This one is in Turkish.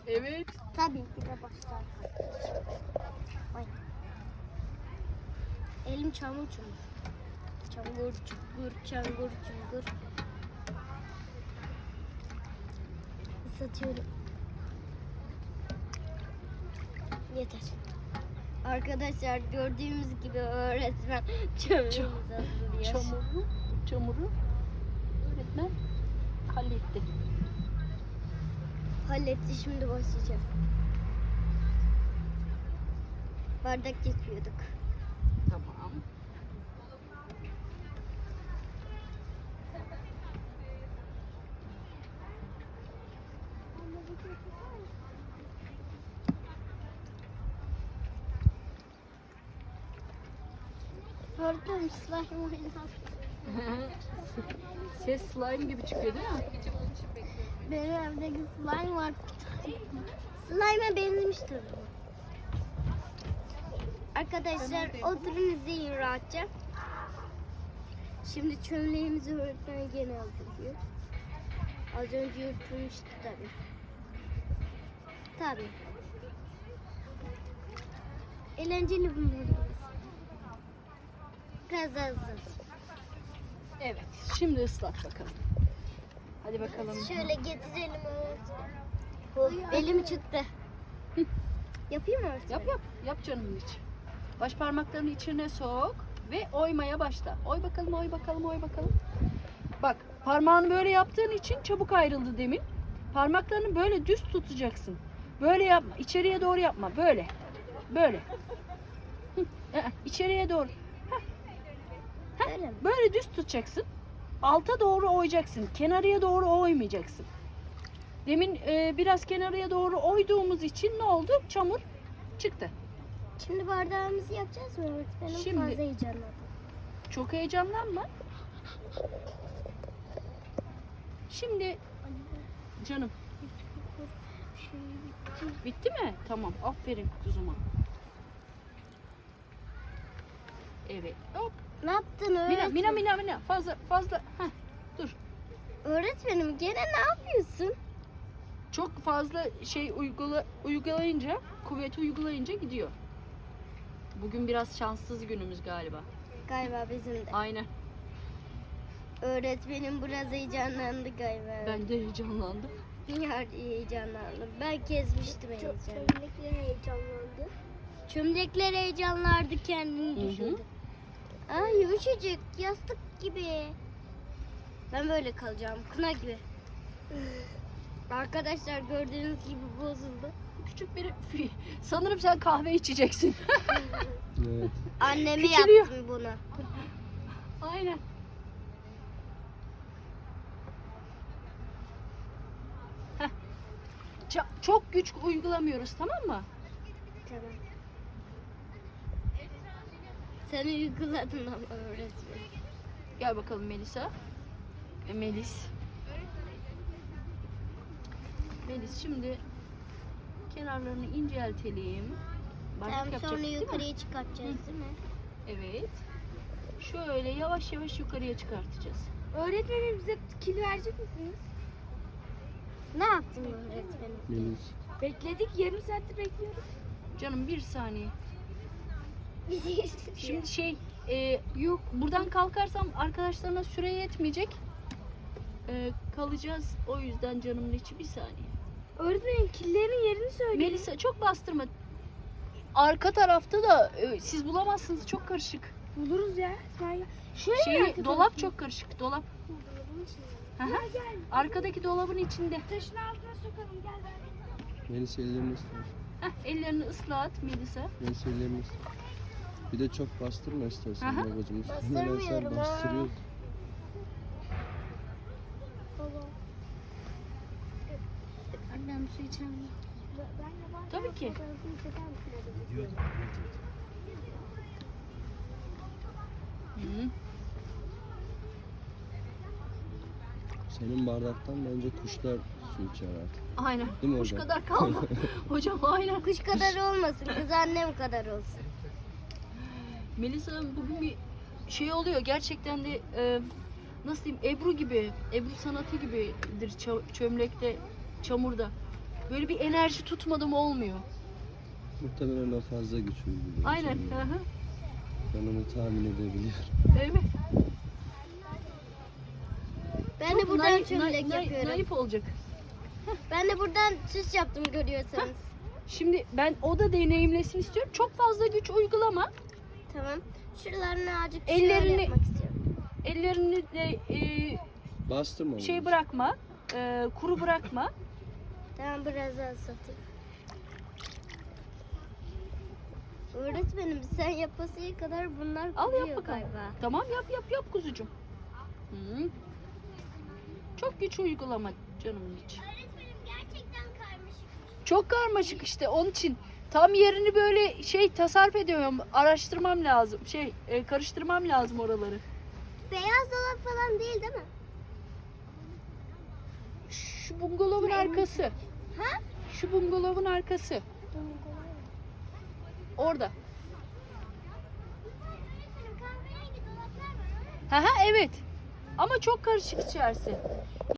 Evet. Tabii ki de başlar. Ay. Elim çamur çamur. Çamur çukur, çamur çukur. Satıyorum. Yeter. Arkadaşlar gördüğümüz gibi öğretmen çömleğimizi hazırlıyor. Çamuru öğretmen halletti. Halletti, şimdi başlayacağız. Bardak yapıyorduk. Tamam. Öğretmenim slime oynar. Ses slime gibi çıkıyor değil mi? Benim evdeki slime var. Slime'a benzemiştir. Arkadaşlar oturun izleyin rahatça. Şimdi çömleğimizi öğretmen gene hazırlıyor. Az önce yırtılmıştı tabii. Tabii. Eğlenceli bunlarımız. Biraz hazır. Evet. Şimdi ıslat bakalım. Hadi bakalım. Şöyle getirelim öğretmen. Elim çıktı. Yapayım mı öğretmen? Yap yap. Yap canımın içi. Baş parmaklarını içine sok ve oymaya başla. Oy bakalım, oy bakalım, oy bakalım. Bak, parmağını böyle yaptığın için çabuk ayrıldı demin. Parmaklarını böyle düz tutacaksın. Böyle yapma. İçeriye doğru yapma. Böyle. Böyle. İçeriye doğru. Öyle mi? Böyle düz tutacaksın. Alta doğru oyacaksın. Kenarıya doğru oymayacaksın. Demin biraz kenarıya doğru oyduğumuz için ne oldu? Çamur çıktı. Şimdi bardağımızı yapacağız mı öğretmenim? Şimdi- Fazla heyecanlandım. Çok heyecanlanma. Şimdi canım bitti mi? Tamam. Aferin kuzuma. Evet. Hop. Ne yaptın öğretmenim? Mina. Fazla. Heh, dur. Öğretmenim gene ne yapıyorsun? Çok fazla şey uygulayınca, kuvveti uygulayınca gidiyor. Bugün biraz şanssız günümüz galiba. Galiba bizim de. Aynen. Öğretmenim biraz heyecanlandı galiba. Ben de heyecanlandım. Heyecanlandım. Ben kesmiştim heyecanı. Çömlekler heyecanlandı. Çömlekler heyecanlardı, kendini Hı hı. düşündü. Ay yumuşacık, yastık gibi. Ben böyle kalacağım, kına gibi. Arkadaşlar gördüğünüz gibi bozuldu. Küçük bir sanırım sen kahve içeceksin. Evet. Anneme Küçülüyor. yaptım bunu. Aynen. Heh. Çok güç uygulamıyoruz, tamam mı? Tamam. Sen uyguladın ama öğretmen. Gel bakalım Melisa. Melis. Melis, şimdi kenarlarını inceltelim. Bardak Tamam, yapacak, sonra değil mi? yukarıya çıkartacağız değil mi? Evet. Şöyle yavaş yavaş yukarıya çıkartacağız. Öğretmenim bize kil verecek misiniz? Ne yaptın öğretmenim? Melis. Bekledik, yarım saattir bekliyoruz. Canım bir saniye. Şimdi yok, buradan kalkarsam arkadaşlarına süre yetmeyecek. Kalacağız, o yüzden canımın içi, bir saniye. Öğretmenim killerin yerini söyleyin. Melisa, çok bastırma. Arka tarafta da siz bulamazsınız, çok karışık. Buluruz ya. Sen ya. Şöyle mi Dolap arkadaşlar? çok karışık, dolap. Dolabın içinde. Hı hı. Gel gel. Arkadaki dolabın içinde. Taşın altına sokalım, gel ver. Melis ellerini ıslat. Ellerini ıslat Melisa. Melis ellerini ıslat. Bir de çok bastırma istersen Aha. babacığım. Üstüne Bastırmıyorum sen ha. bastırıyorsun. Annem su içemiyor. Ben de var. Tabii ki. Fotoğrafını çeker misin? Hı. Senin bardaktan bence kuşlar su içer artık. Aynen. Değil mi Kuş hocam? kadar kalma. Hocam aynen. Kuş kadar olmasın, kız annem kadar olsun. Melisa Hanım, bugün bir şey oluyor. Gerçekten de nasıl diyeyim, Ebru gibi, Ebru sanatı gibidir çömlekte, çamurda. Böyle bir enerji tutmadım olmuyor. Muhtemelen o fazla güç uyguluyor. Aynen. sana. Hı hı. Ben onu tahmin edebiliyorum. Evet. Ben de Çok buradan çömlek yapıyorum. naif olacak. Ben de buradan süs yaptım görüyorsanız. Şimdi ben o da deneyimlesin istiyorum. Çok fazla güç uygulama. Tamam. Şuralarını azıcık Ellerini- şöyle yapmak istiyorum. Ellerini de Bastırma onu. şey bırakma. Kuru bırakma. Tamam biraz daha satayım. Öğretmenim sen yapasıya kadar bunlar Al kuruyor yap bakalım. galiba. Tamam yap kuzucuğum. Hı. Çok güç uygulama canımın içi. Öğretmenim gerçekten karmaşık. Çok karmaşık işte onun için. Tam yerini böyle tasarruf ediyorum. Araştırmam lazım. Karıştırmam lazım oraları. Beyaz dolap falan değil mi? Şu bungalovun arkası. Ha? Şu bungalovun arkası. Orada. Öğretmenim kahverengi dolaplar var. Evet. Ama çok karışık içerisi.